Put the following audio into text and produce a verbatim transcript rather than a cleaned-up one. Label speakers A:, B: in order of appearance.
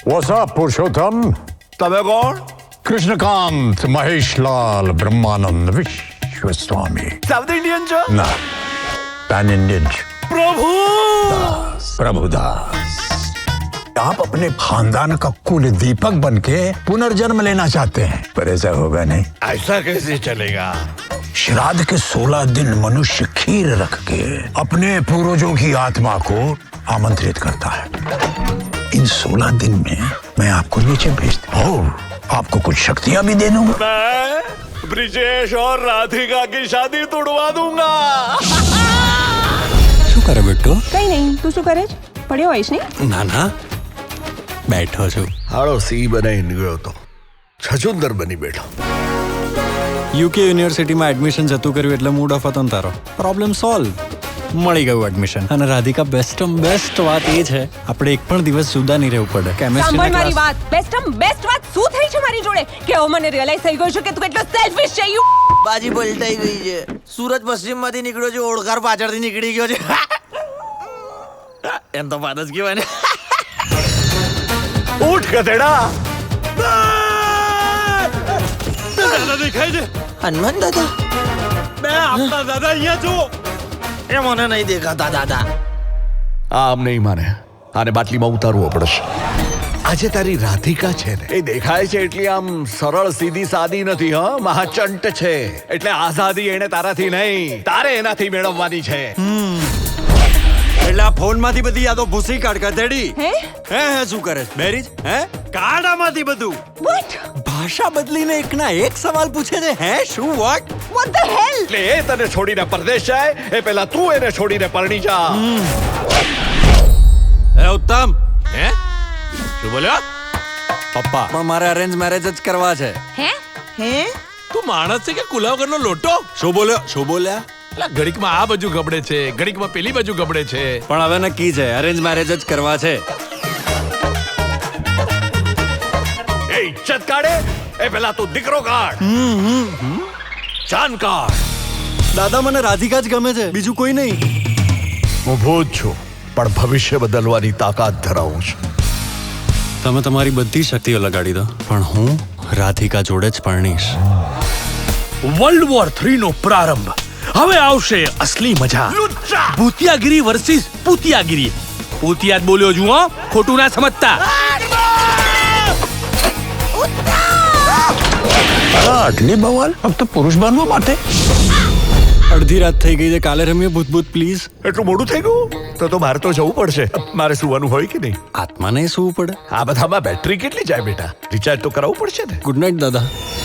A: What's up, Purushottam?
B: તમે કોણ?
A: Krishnakant Maheshlal Brahmanand Vishwaswami.
B: South Indian છો?
A: ના, पैन इंडियन.
B: प्रभु
A: प्रभुदास, आप अपने खानदान का कुल दीपक बनके पुनर्जन्म लेना चाहते हैं, पर ऐसा होगा नहीं.
B: ऐसा कैसे चलेगा?
A: श्राद्ध के सोलह दिन मनुष्य खीर रख के अपने पूर्वजों की आत्मा को आमंत्रित करता है. इन सोलह दिन में मैं आपको नीचे भेजता हूँ, आपको कुछ शक्तियाँ भी दे दूंगा.
B: मैं ब्रिजेश और राधिका की शादी तोड़वा दूंगा.
C: શું કરે બેટો?
D: કઈ નહીં, તું શું કરે છે? પડ્યો હોઈશ ને?
C: ના ના, બેઠો છું.
B: હાળો સી બનાવી નીકળ્યો તો છછુંદર બની બેઠો.
C: યુકે યુનિવર્સિટીમાં એડમિશન જતું કર્યું એટલે મૂડ ઓફ હતો ને તારો. પ્રોબ્લેમ સોલ્વ, મળી ગયું એડમિશન. અને રાધિકા બેસ્ટ બેસ્ટ વાત એ છે આપણે એક પણ દિવસ જુદા નહીં રહેવું પડે.
D: સાંભળ મારી વાત. બેસ્ટમ બેસ્ટ વાત શું થઈ છે મારી જોડે કે હવે મને રિયલાઇઝ થઈ ગયું છે કે તું કેટલો સેલ્ફિશ છે. યુ
E: બાજી પલટાઈ ગઈ છે. સુરત પશ્ચિમ માંથી નીકળ્યો છે, ઓળખાર પાછળથી નીકળી ગયો છે. એમ તો વાત જ કહેવાય ને.
B: ઉઠ ગધેડા.
C: દાદા દેખાય છે.
E: હનુમાન દાદા?
C: બે આપણા દાદા અહીંયા છો.
E: એ મને નહીં દેખાતા દાદા.
B: આમ નહીં માને, આને બાટલીમાં ઉતારવો પડશે. આજે તારી રાધિકા છે ને, એ દેખાય છે એટલી આમ સરળ સીધી સાદી નથી. હા, મહાચંટ છે. એટલે આઝાદી એને તારાથી નહીં, તારે એનાથી મેળવવાની છે.
C: એટલે આ ફોન માંથી બધી યાદો ભૂસી કાઢ ગધેડી.
D: હે
C: હે હે શું કરે છે મેરીજ? હે કાઢામાંથી બધું.
D: વોટ
C: ભાષા બદલીને એકના એક સવાલ પૂછે છે. હે શું વોટ?
D: વોટ ધ હેલ?
B: એટલે એ તને છોડીને પરદેશ જાય એ પહેલા તું એને છોડીને પરણી જા.
C: હે ઉત્તમ. હે શું બોલ્યો? પપ્પા પણ મારે અરેન્જ મેરેજ જ કરવા છે.
D: હે
E: હે
F: તું માણસ છે કે કુલાવગરનો લોટો?
C: શું બોલ્યો? શું બોલ્યા?
F: એટલે ઘડીકમાં આ બાજુ ગબડે છે, ઘડીકમાં પેલી બાજુ ગબડે છે.
C: પણ હવે નક્કી છે અરેન્જ મેરેજ જ કરવા છે.
B: એ ઇજ્જત કાઢે એ પહેલા તું દીકરો કાઢ. જાન કાઢ.
C: દાદા મને રાધિકા જ ગમે છે, બીજું કોઈ નહીં.
B: હું ભૂત છું પણ ભવિષ્ય બદલવાની તાકાત ધરાવું છું.
C: તમે તમારી બધી શક્તિઓ લગાડી દો પણ હું રાધિકા જોડે જ પરણીશ.
F: વર્લ્ડ વોર થ્રી નો પ્રારંભ. હવે આવશે અસલી મજા. ભૂતિયાગીરી વર્સિસ પૂતિયાગીરી. પૂતિયા જ બોલ્યો છું, હો, ખોટું ના સમજતા.
A: આટલી બવાલ ફક્ત પુરુષ બનવા માટે?
C: અડધી રાત થઈ ગઈ છે, કાલે રમીએ ભૂત ભૂત પ્લીઝ.
B: એટલું મોડું થઈ ગયું તો તો મારે તો જવું પડશે. મારે સુવાનું હોય કે નહીં?
C: આત્માને શું પડે?
B: આ બધામાં બેટરી કેટલી જાય બેટા? રિચાર્જ તો કરાવવું પડશે ને.
C: ગુડ નાઇટ દાદા.